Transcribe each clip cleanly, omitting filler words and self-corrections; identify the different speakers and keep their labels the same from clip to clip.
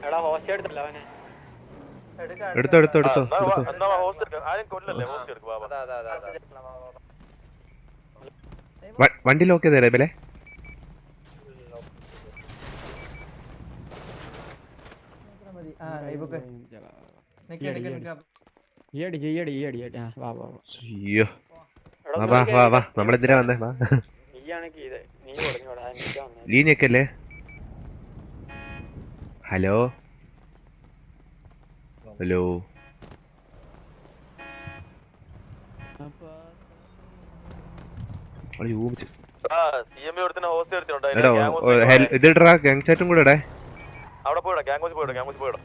Speaker 1: എടുത്തോ എടുത്തോ എടുത്തോ വണ്ടി ലോക്ക് ചെയ്തേരെ ബലെ നമ്മളെന്തിനാ വന്നേ വാ ലീനൊക്കെ അല്ലേ ഹലോ ഹലോ ഇതിടാ ഗാങ് ചാറ്റും കൂടെ ഇടേ
Speaker 2: അവിടെ പോയിടാ ഗ്യാങ് പോയിടാ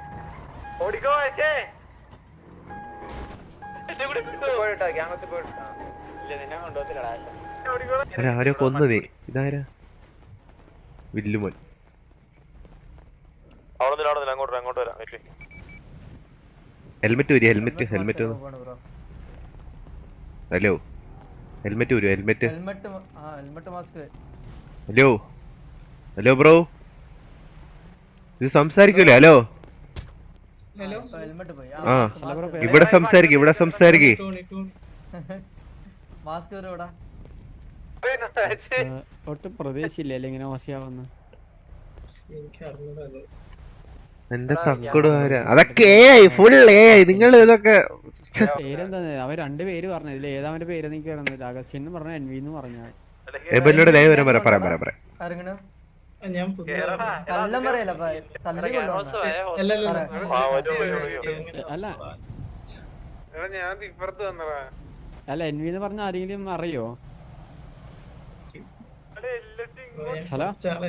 Speaker 1: ആരോ കൊന്നു നീ ഇതാരാ വില്ലുമോൻ
Speaker 2: അങ്ങോട്ട് വരാം
Speaker 1: ഹെൽമെറ്റ് വരും ഹെൽമെറ്റ് ഹലോ ഹെൽമെറ്റ് വരും ഹെൽമെറ്റ് ഹലോ ഹലോ ബ്രോ ഇത് സംസാരിക്കൂലേ ഹലോ ആ ഇവിടെ സംസാരിക്കേ
Speaker 3: ഒട്ടും പ്രതീക്ഷയില്ല ഇങ്ങനെ മോശമാവുന്ന
Speaker 1: എന്റെ തക്കടുകാരാ അതൊക്കെ ഫുൾ നിങ്ങൾ ഇതൊക്കെ
Speaker 3: പേരെന്താ അവൻ രണ്ടുപേര് പറഞ്ഞു ഇതിൽ ഏതാ അവന്റെ പേര് എനിക്ക് പറയുന്നത് അഗസ്റ്റിൻ എന്ന് പറഞ്ഞ എൻവി എന്ന് പറഞ്ഞു
Speaker 1: എബലിനോട് ലൈവ് വരാൻ പറയാം
Speaker 3: അല്ല എൻവി എന്ന് പറഞ്ഞ ആരെങ്കിലും അറിയോ ഹലോ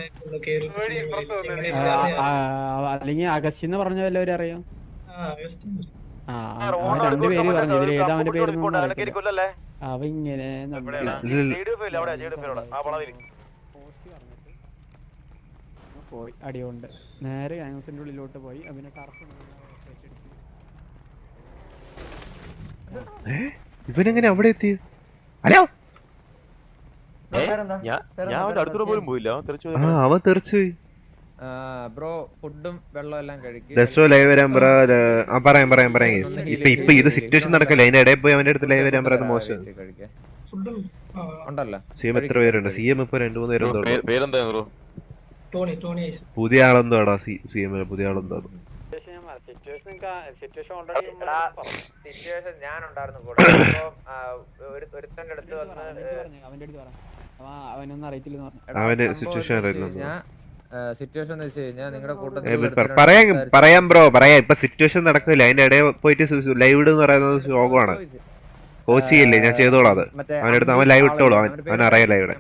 Speaker 3: അല്ലെങ്കിൽ അഗസ്റ്റിൻ എന്ന് പറഞ്ഞ വല്ലവരും അറിയോ അവൻ രണ്ടുപേര് പറഞ്ഞു ഇതിൽ ഏതാ അവന്റെ പേര് അവ ഇങ്ങനെ പോയി അടിയുണ്ട് നേരെ ഗാങ്സിന്റെ ഉള്ളിലോട്ട് പോയി അവനെ
Speaker 1: ഇവനെങ്ങനെ അവിടെ എത്തി ഹലോ അവൻ തെറിച്ചുപോയി
Speaker 4: ബ്രോ ഫുഡും വെള്ളം എല്ലാം
Speaker 1: കഴിക്കും ലൈവ് വരാൻ പറയാം ഇപ്പൊ ഇത് സിറ്റുവേഷൻ നടക്കല്ലേ അതിന്റെ ഇടയിൽ പോയി അവന്റെ അടുത്ത് ലൈവ് വരാൻ പറയുന്നത് മോശം സിഎം എത്ര പേരുണ്ട് സിഎം ഇപ്പൊ 2-3 പേരുണ്ടോ പുതിയ ആളെന്തോ ആടാ സിഎം പുതിയ ആളെന്തോ
Speaker 4: സിറ്റുവേഷൻ ഞാൻ ഉണ്ടായിരുന്നു കൂടെ ഒരുത്തന്റെ അടുത്ത്
Speaker 3: അവനൊന്നും അറിയത്തില്ല
Speaker 1: അവന് സിറ്റുവേഷൻ
Speaker 4: സിറ്റുവേഷൻ എന്ന് വെച്ച് കഴിഞ്ഞാൽ നിങ്ങളുടെ കൂട്ടത്തിൽ
Speaker 1: പറയാം ബ്രോ പറയാം ഇപ്പൊ സിറ്റുവേഷൻ നടക്കില്ല അതിന്റെ ഇടയിൽ പോയിട്ട് ലൈവ് എന്ന് പറയുന്നത് ശോകമാണ് കോച്ചില്ലേ ഞാൻ ചെയ്തോളാം അത് അവന്റെ അടുത്ത് അവൻ ലൈവ് ഇട്ടോളൂ അവൻ അറിയാലോ ഇവിടെ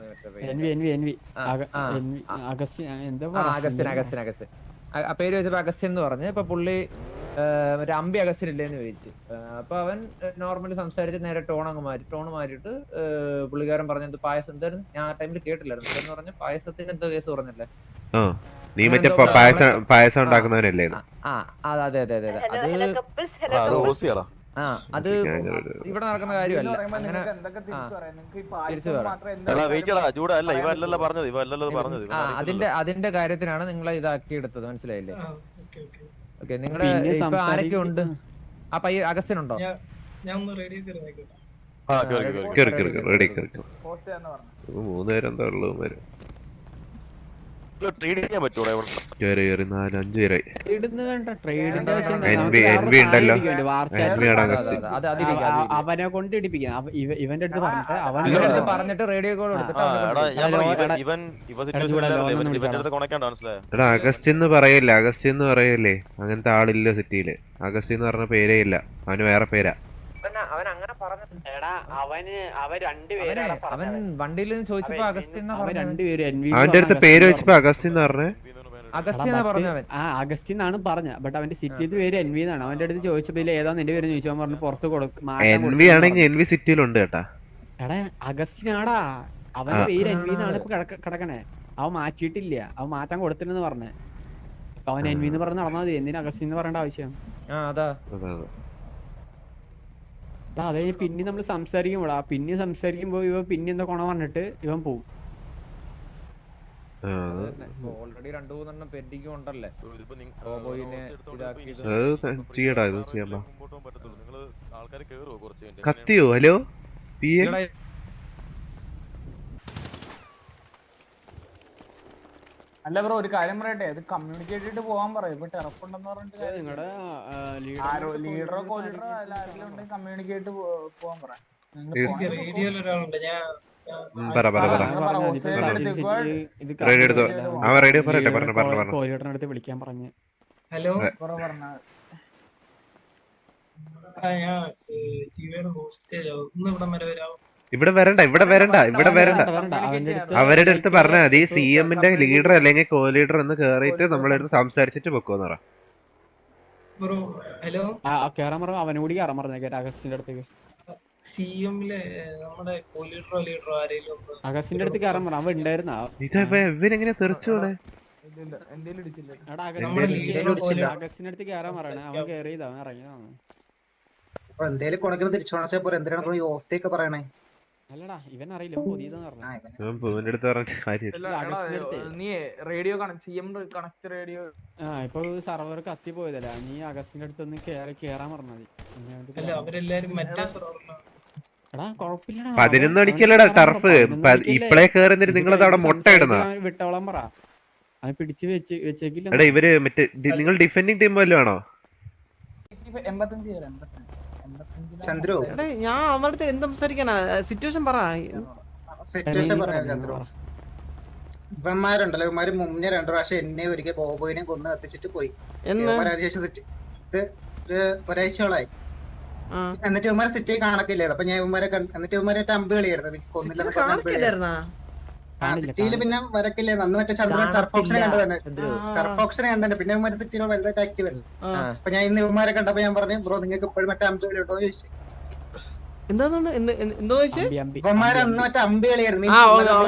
Speaker 4: ആ പേര് വെച്ചപ്പോ അഗസ്റ്റിൻ എന്ന് പറഞ്ഞു. ഇപ്പൊ പുള്ളി മറ്റേ അമ്പി അഗസ്റ്റിൻ ഇല്ലേന്ന് ചോദിച്ചു. അപ്പൊ അവൻ നോർമലി സംസാരിച്ച് നേരെ ടോൺ മാറ്റിട്ട് പുള്ളിക്കാരൻ പറഞ്ഞത് പായസം എന്തായിരുന്നു, ഞാൻ ആ ടൈമിൽ കേട്ടില്ലായിരുന്നു. എന്ന് പറഞ്ഞ പായസത്തിന് എന്തോ കേസ് പറഞ്ഞല്ലേ,
Speaker 1: നീ മറ്റേ പായസം ഉണ്ടാക്കുന്നവനല്ലേ?
Speaker 4: അതെ അതെ അതെ അതെ അത് ഇവിടെ നടക്കുന്ന കാര്യമല്ല. അതിന്റെ കാര്യത്തിനാണ് നിങ്ങളെ ഇതാക്കി എടുത്തത്, മനസ്സിലായില്ലേ? ഓക്കെ, നിങ്ങളുടെ ആരൊക്കെ ഉണ്ട്? ആ പയ്യ അഗസ്റ്റിൻ ഉണ്ടോ?
Speaker 1: മൂന്നുപേരെന്താ ഉള്ളു.
Speaker 3: അവനെ കൊണ്ട് ഇടിപ്പിക്കാം. ഇവന്റെ അടുത്ത് പറഞ്ഞിട്ട് റേഡിയോ കോൾ
Speaker 1: അഗസ്റ്റിൻ എന്ന് പറയല്ലേ, അങ്ങനത്തെ ആളില്ല സിറ്റിയില്. അഗസ്റ്റിൻ എന്ന് പറഞ്ഞ പേരേ ഇല്ല, അവന് വേറെ പേരാ. അവന്റെ അടുത്ത് പേര് വെച്ചപ്പോ അഗസ്റ്റിൻ എന്ന് പറഞ്ഞേ.
Speaker 3: അഗസ്റ്റിൻ എന്നാണ് പറഞ്ഞ, ബട്ട് അവന്റെ സിറ്റിയുടെ പേര് എൻവി എന്നാണ്. അവന്റെ അടുത്ത് ചോദിച്ചപ്പോ ഏതാ നിന്റെ പേര് ചോദിച്ചു, അവൻ പറഞ്ഞു പുറത്ത് കൊടുക്കും.
Speaker 1: എൻവി ആണെങ്കിൽ എൻവി സിറ്റിയിലുണ്ട് കേട്ടാ.
Speaker 3: എടാ അഗസ്റ്റിൻ ആടാ, അവന്റെ പേര് എൻവി എന്നാണ് ഇപ്പൊ കിടക്കണേ. അവൻ മാറ്റിയിട്ടില്ല, അവൻ മാറ്റാൻ കൊടുത്തില്ലെന്ന് പറഞ്ഞേ. അവൻ എൻവി എന്ന് പറഞ്ഞ് നടന്നാൽ മതി, എന്തിനാ അഗസ്റ്റിൻ എന്ന് പറയേണ്ട ആവശ്യം? അതെ, പിന്നെ നമ്മള് സംസാരിക്കുമ്പോഴാ, പിന്നെ സംസാരിക്കുമ്പോ ഇവ പിന്നെ എന്താ കൊണ പറഞ്ഞിട്ട് ഇവൻ പോവും.
Speaker 4: ഓൾറെഡി 2-3 പെൻഡിങ് ഉണ്ടല്ലേ. ബോബോയിനെ ഇതാക്കിയത്.
Speaker 1: ചെയ്യടാ ഇത് ചെയ്യാൻ
Speaker 2: ആൾക്കാർ കേറുവോ കുറച്ച് കഴിഞ്ഞിട്ട്?
Speaker 1: കത്തിയോ? ഹലോ പി എ
Speaker 5: അല്ല ബ്രോ ഒരു കാര്യം പറയട്ടെ, അത് കമ്മ്യൂണിക്കേറ്റ് ചെയ്തിട്ട് പോകാൻ പറയും. ഇപ്പൊ ടെറപ്പുണ്ടെന്ന് പറഞ്ഞിട്ട്
Speaker 3: നിങ്ങളുടെ
Speaker 5: ലീഡറോ കോ ലീഡറോ അല്ല ആരെങ്കിലും ഉണ്ടെങ്കിൽ കമ്മ്യൂണിക്കേറ്റ് പോകാൻ പറയാം.
Speaker 3: കോഴിയോട്ടടുത്ത് വിളിക്കാൻ പറഞ്ഞു.
Speaker 6: ഹലോ
Speaker 5: പറഞ്ഞ
Speaker 1: ഇവിടെ വരണ്ട അവരുടെ അടുത്ത് പറഞ്ഞാൽ മതി സി എമ്മിന്റെ ലീഡർ അല്ലെങ്കിൽ കോ ലീഡർ ഒന്ന് കേറിയിട്ട് നമ്മളെ അടുത്ത് സംസാരിച്ചിട്ട് വെക്കുമെന്ന് പറ.
Speaker 6: ഹലോ
Speaker 3: കേറാൻ പറഞ്ഞു. അവനോട് കയറാൻ പറഞ്ഞേക്കെ അഗസ്റ്റിന്റെ അടുത്തേക്ക്. അഗസ്റ്റിന്റെ അടുത്ത് കയറാൻ പറഞ്ഞു. അവൻ ഉണ്ടായിരുന്ന
Speaker 1: ഇവരെങ്ങനെ തെറിച്ചോടെ
Speaker 3: അഗസ്റ്റിന്റെ അടുത്ത് കയറാൻ പറയണേ. അവൻ കയറിയതാ, അവൻ ഇറങ്ങിയതാണ്.
Speaker 7: എന്തേലും കൊണക്കുമ്പോ തിരിച്ചു പോണച്ചാ പോരെ, എന്തിനാണ് ഈ ഓസ്തിയൊക്കെ പറയണേ?
Speaker 3: അല്ലടാ ഇവൻ അറിയില്ല, പുതിയതെന്ന് പറഞ്ഞു.
Speaker 5: നീ റേഡിയോ കണക്ട് റേഡിയോ
Speaker 3: ഇപ്പൊ സർവർ കത്തി പോയതല്ല. നീ അഗസ്റ്റിന്റെ അടുത്തൊന്ന് കേറാൻ പറഞ്ഞത്. എടാ കൊഴപ്പില്ലടാ,
Speaker 1: 11 മണിക്കല്ലടാ ടർഫ്. ഇപ്പളേ കേറുന്നിട്ട് നിങ്ങളത് അവിടെ മുട്ട ഇടുന്ന
Speaker 3: വിട്ടോളം പറ. അത് പിടിച്ച് വെച്ചേക്കില്ല.
Speaker 1: എടാ ഇവര് മറ്റേ നിങ്ങൾ ഡിഫെൻഡിങ് ടീം വല്ലതും ആണോ?
Speaker 5: 85
Speaker 7: ചന്ദ്രു
Speaker 8: ഞാൻ അവരുടെ എന്ത് സംസാരിക്കാനാ? സിറ്റുവേഷൻ പറ.
Speaker 7: സിറ്റുവേഷൻ പറഞ്ഞ ചന്ദ്രു, ഇവന്മാരുണ്ടല്ലോ, ഇവന്മാര് മുന്നേ 2 പ്രാവശ്യം എന്നെ ഒരിക്കൽ ബോബോയിനെ കൊന്ന് കത്തിച്ചിട്ട് പോയി. ശേഷം ഇത് ഒരാഴ്ചകളായി. എന്നിട്ട് ഇവന്മാരെ സിറ്റി കാണക്കില്ലേ? അപ്പൊ ഞാൻ ഇവന്മാരെ എന്നിട്ട് ഇവന്മാരെ അമ്പ് കളിയായിരുന്നു. മീൻസ് കൊന്നില്ല സിറ്റിയില് പിന്നെ വരക്കില്ലേ. അന്ന് മറ്റേ ചന്ദ്രൻ ടർഫ് ഓപ്ഷനെ കണ്ടു തന്നെ, ടർഫ് ഓപ്ഷനെ കണ്ടു. പിന്നെ ഇവന്മാര് സിറ്റിയിൽ വലുതായിട്ട് ആക്റ്റീവ് അല്ല. അപ്പൊ ഞാൻ ഇന്ന് ഇവന്മാരെ കണ്ടപ്പോ ഞാൻ പറഞ്ഞു, ബ്രോ നിങ്ങൾക്ക് ഇപ്പോഴും മറ്റേ അമ്പ് കളി ഉണ്ടോ ചോദിച്ചു. ഇവന്മാര് അന്ന് മറ്റേ അമ്പ് കളിയായിരുന്നു. ഞാൻ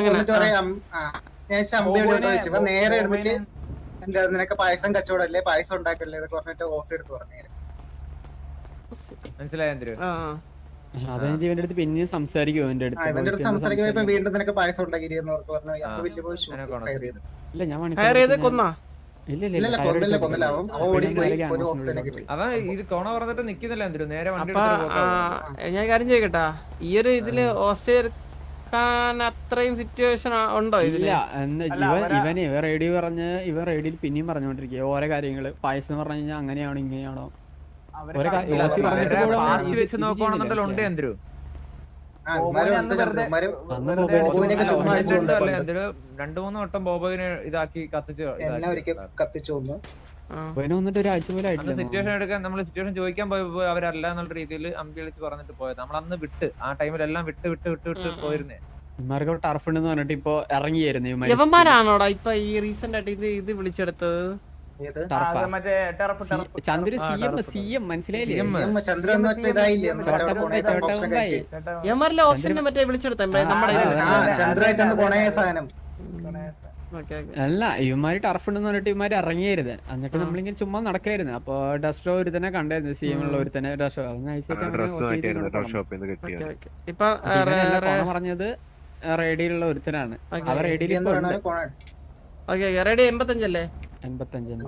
Speaker 7: അമ്പ് കളി ഉണ്ടോ ചോദിച്ചു. ഇപ്പൊ നേരെ എടുത്തിട്ട് എന്താ നിനക്ക് പായസം കച്ചവടല്ലേ, പായസം ഉണ്ടാക്കല്ലേ എന്നൊക്കെ പറഞ്ഞിട്ട് ഓസ് എടുത്ത് പറഞ്ഞു.
Speaker 4: മനസ്സിലായോ?
Speaker 3: അതെനിക്ക് ഇവന്റെ അടുത്ത് പിന്നെയും സംസാരിക്കും. ഇവന്റെ അടുത്ത്
Speaker 7: സംസാരിക്കുമ്പോ വീണ്ടും നിനക്ക് പായസം ഉണ്ടാക്കിയെന്ന് പറഞ്ഞു.
Speaker 3: ഇല്ല ഞാൻ
Speaker 4: അതാ ഇത് കൊണ പറഞ്ഞിട്ട് നിക്കുന്നില്ല. എന്തിനു നേരെ വണ്ടി
Speaker 8: ഞാൻ കാര്യം ചോദിക്കട്ടാ, ഈ ഒരു ഇതില് ഓസ്ട്രേലിയ അത്രയും സിറ്റുവേഷൻ ഉണ്ടോ?
Speaker 3: ഇല്ല ഇവന് റേഡിയോ പറഞ്ഞ് ഇവൻ റേഡിയോയിൽ പിന്നെയും പറഞ്ഞോണ്ടിരിക്കുക ഓരോ കാര്യങ്ങള്. പായസം പറഞ്ഞു കഴിഞ്ഞാൽ അങ്ങനെയാണോ ഇങ്ങനെയാണോ
Speaker 4: വെച്ച് നോക്കുകയാണെന്നുണ്ടല്ലോ ഉണ്ട്. എന്തിനു 2-3 വട്ടം ബോബോയിനെ ഇതാക്കി
Speaker 7: കത്തിച്ചു.
Speaker 3: വന്നിട്ട് ഒരാഴ്ച പോലെ ആയിട്ടില്ല.
Speaker 4: സിറ്റുവേഷൻ എടുക്കാൻ നമ്മൾ സിറ്റുവേഷൻ ചോദിക്കാൻ പോയപ്പോ അവരല്ല എന്നുള്ള രീതിയിൽ അമ്പി വിളിച്ച് പറഞ്ഞിട്ട് പോയത്. നമ്മളന്ന് വിട്ട് ആ ടൈമിലെല്ലാം വിട്ട് പോയിരുന്നേ.
Speaker 3: ഇവന്മാർക്ക് ടർഫ് ഉണ്ടെന്ന് പറഞ്ഞിട്ട് ഇപ്പൊ ഇറങ്ങിയായിരുന്നു.
Speaker 8: ഇവന്മാരാണോടാ ഇപ്പൊ ഈ റീസെന്റ് ആയിട്ട് ഇത് വിളിച്ചെടുത്തത്?
Speaker 3: ചന്ദ്ര സിഎം മനസ്സിലായില്ലേ?
Speaker 8: ഇവന്മാരിലെ ഓപ്ഷനെ മറ്റേ വിളിച്ചെടുത്ത നമ്മുടെ
Speaker 3: അല്ല ഇവന്മാര് ടർഫ് ഉണ്ടെന്ന് പറഞ്ഞിട്ട് ഇവന്മാര് ഇറങ്ങിയായിരുന്നു. എന്നിട്ട് നമ്മളിങ്ങനെ ചുമ്മാ നടക്കായിരുന്നു. അപ്പൊ ഡസ്റ്റോ ഒരു തന്നെ കണ്ടായിരുന്നു. സി എം ഉള്ള ഒരു തന്നെ ഡസ്റ്റോ പറഞ്ഞത് റേഡിയിലുള്ള ഒരുത്തനാണ്. അവർ റേഡിയിൽ
Speaker 8: 85 അല്ലേ?
Speaker 3: 85.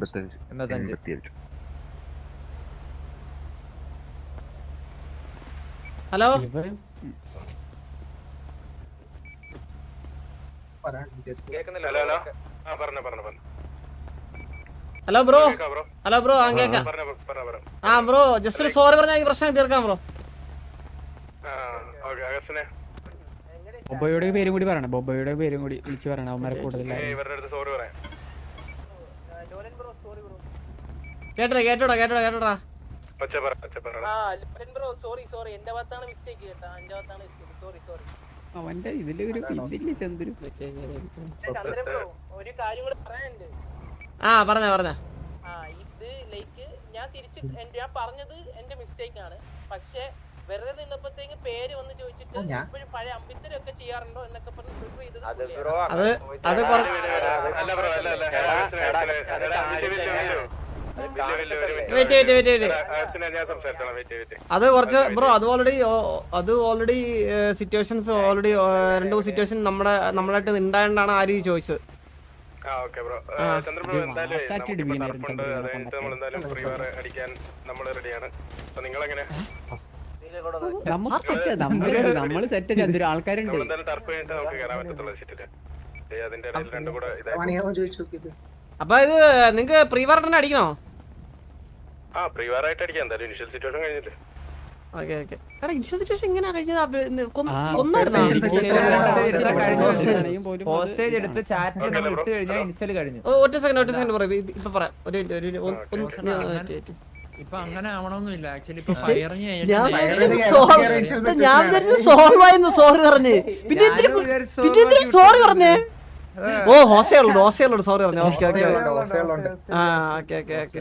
Speaker 8: Hello hello bro. Hello bro. ആ ബ്രോ ജസ്റ്റ് ഒരു സോറി പറഞ്ഞാൽ ഈ പ്രശ്നം തീർക്കാം ബ്രോ.
Speaker 3: ബൊബോയുടെ പേരും കൂടി പറയണം. ബൊബോയുടെ പേരും കൂടി വിളിച്ചു പറയണം. അവന്മാരെ കൂടുതൽ
Speaker 8: കേട്ടോടാ.
Speaker 3: അവന്റെ ഇതില് ഒരു ഇതില്ല ചന്ദ്രു.
Speaker 9: ഒരു കാര്യം കൂടെ പറയാനുണ്ട്.
Speaker 8: പറഞ്ഞ
Speaker 9: ഇത് ലൈക്ക് ഞാൻ പറഞ്ഞത് എന്റെ മിസ്റ്റേക്ക് ആണ്. പക്ഷെ വെറുതെ നിന്നപ്പോഴത്തേക്ക് പേര് വന്ന് ചോദിച്ചിട്ട് ഇപ്പോഴും പഴയ അമ്പിത്തരൊക്കെ ചെയ്യാറുണ്ടോ എന്നൊക്കെ പറഞ്ഞ് പ്രിഫർ ചെയ്തത്.
Speaker 8: അത് കുറച്ച് ബ്രോ അത് ഓൾറെഡി സിറ്റുവേഷൻസ് 2 സിറ്റുവേഷൻ നമ്മളായിട്ട് ഉണ്ടായോണ്ടാണ് ആ രീതി ചോദിച്ചത്.
Speaker 3: നമ്മള് സെറ്റ് ചന്ദ്രു ആൾക്കാരുണ്ട്.
Speaker 7: പണിയാവാൻ ചോദിച്ചു നോക്കിയത്.
Speaker 8: അപ്പൊ ഇത് നിങ്ങക്ക് പ്രീവാർ തന്നെ അടിക്കണോ? Okay okay. എടാ ഇൻഷുറൻസ് സിറ്റുവേഷൻ എങ്ങനെയാ കഴിഞ്ഞത്?
Speaker 4: ഹോസ്റ്റേജ് എടുത്ത് ചാറ്റിൽ നമ്മൾ ഇട്ട് കഴിഞ്ഞാൽ ഇൻസ്റ്റൽ കഴിഞ്ഞു.
Speaker 8: ഒറ്റ സെക്കൻഡ് പറയാം. ഇപ്പൊ പറയാം.
Speaker 6: ഇപ്പൊ അങ്ങനെ ആവണമെന്നില്ല ആക്ച്വലി. ഇപ്പൊ ഫയറിങ്
Speaker 8: ഞാൻ സോൾവ് ആയിരുന്നു സോറി പറഞ്ഞ്. പിന്നെ സോറി പറഞ്ഞേ. ഓ ഹോസ്റ്റേളോട് സോറി പറഞ്ഞു. ഓക്കെ ഓക്കെ ആ ഓക്കെ ഓക്കെ ഓക്കെ.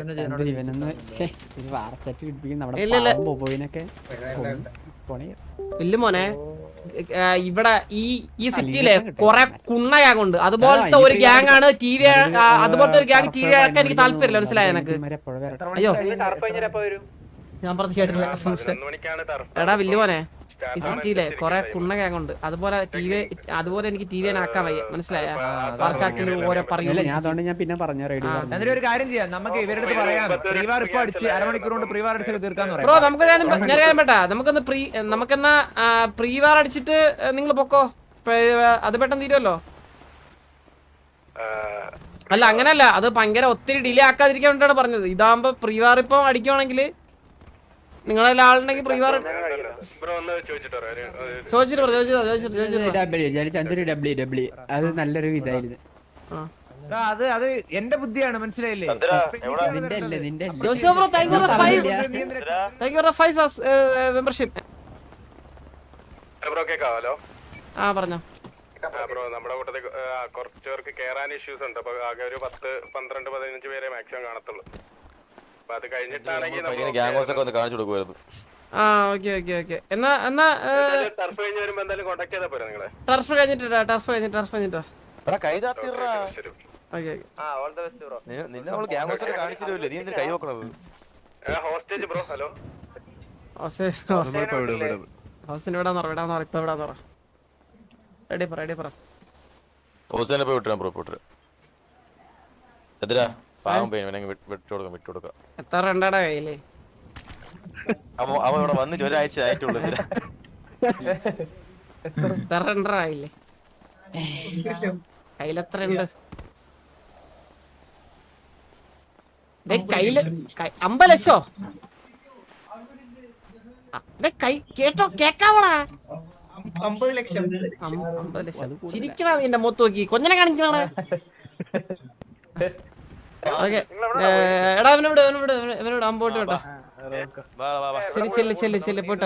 Speaker 8: ഇല്ല മോനെ, ഇവിടെ ഈ സിറ്റിയിലെ കൊറേ കുണ്ണ ഗ്യാങ് ഉണ്ട്. അതുപോലത്തെ ഒരു ഗ്യാങ് ആണ് ടി വി. അതുപോലത്തെ ഒരു ഗ്യാങ് ടി വി ആക്കാൻ എനിക്ക് താല്പര്യമില്ല. മനസ്സിലായ എനക്ക്? അയ്യോ ഞാൻ പറഞ്ഞു കേട്ടില്ല. എടാ വില്ലു മോനെ, ഈ സിറ്റിയിലെ കൊറേ കുണ്ണ ഗ്യാങ് ഉണ്ട്. അതുപോലെ അതുപോലെ എനിക്ക് ടി വി ആക്കാൻ വയ്യ. മനസ്സിലായ? ഓരോ പറയൂല.
Speaker 3: ഞാൻ പിന്നെ പറഞ്ഞു
Speaker 4: എന്നിട്ട് ഒരു കാര്യം ചെയ്യാം, നമുക്ക് ഇവരുടെ അടുത്ത് പറയാം പ്രീവാർ ഇപ്പൊ അടിച്ച് അരമണിക്കൂർ കൊണ്ട് പ്രീവാർ അടിച്ച് തീർക്കാന്ന് പറയാം.
Speaker 8: ബ്രോ നമുക്കൊന്ന് നമുക്കെന്നാ പ്രീവാർ അടിച്ചിട്ട് നിങ്ങൾ പൊക്കോ. അത് പെട്ടെന്ന് തീരുമല്ലോ. അല്ല അങ്ങനല്ല, അത് ഭയങ്കര ഒത്തിരി ഡിലേ ആക്കാതിരിക്കാൻ വേണ്ടിയാണ് പറഞ്ഞത്. ഇതാകുമ്പോ പ്രീവാർ ഇപ്പൊ അടിക്കുവാണെങ്കിൽ നിങ്ങളെല്ലാം ആളുണ്ടെങ്കിൽ പ്രീവാർ
Speaker 3: അത് നല്ലൊരു ഇതായിരുന്നു.
Speaker 4: അത് എന്റെ ബുദ്ധിയാണ്, മനസ്സിലായില്ലേ?
Speaker 8: മെമ്പർഷിപ്പ് ആ പറഞ്ഞോ.
Speaker 2: നമ്മുടെ കൂട്ടത്തിൽ കുറച്ച് പേർക്ക് കേറാൻ ഇഷ്യൂസ് ഉണ്ട്. അപ്പൊ ആകെ ഒരു 10, 12, 15 പേരെ മാക്സിമം കാണത്തുള്ളൂ. അപ്പൊ അത് കഴിഞ്ഞിട്ടാണെങ്കിൽ
Speaker 8: ആ ഓക്കെ ഓക്കെ ഓക്കെ. എന്നാ
Speaker 2: ടർഫ് കഴിഞ്ഞ് വരുമ്പോ എന്തായാലും കോൺടാക്ട് ചെയ്താൽ പോരാ നിങ്ങളെ?
Speaker 8: ടർഫ് കഴിഞ്ഞിട്ടോ.
Speaker 2: Hostage bro, hello.
Speaker 8: ഹോസ്റ്റേജ് വിടാന്ന് പറ. ഇപ്പൊ വിടാന്ന് പറ. റെഡി പറ.
Speaker 2: ഹോസ്റ്റേജിനെ പോയി വിട്ടാ ബ്രോ. പോയിട്ട് എതിരാ പാവം പയ്യൻ വിട്ടുകൊടുക്കാം.
Speaker 8: എത്ര രണ്ടാടാ കയ്യില്?
Speaker 2: അവ ഇവിടെ വന്നിട്ട് ഒരാഴ്ച ആയിട്ടുള്ളൂ.
Speaker 8: എത്ര രണ്ടരായില്ലേ? കയ്യിലെത്ര ഉണ്ട്? കയ്യില് 50 ലക്ഷോ? കേക്കാവടാ?
Speaker 7: 50 ലക്ഷം.
Speaker 8: 50 ലക്ഷം ചിരിക്കണ നിന്റെ മുഖത്ത് നോക്കി കൊഞ്ഞനെ കാണിക്കണ. ഓക്കെ എടാ ഇവനോട് അമ്പോട്ട് കേട്ടോ. ശരി ചെല്ല് പോട്ടോ.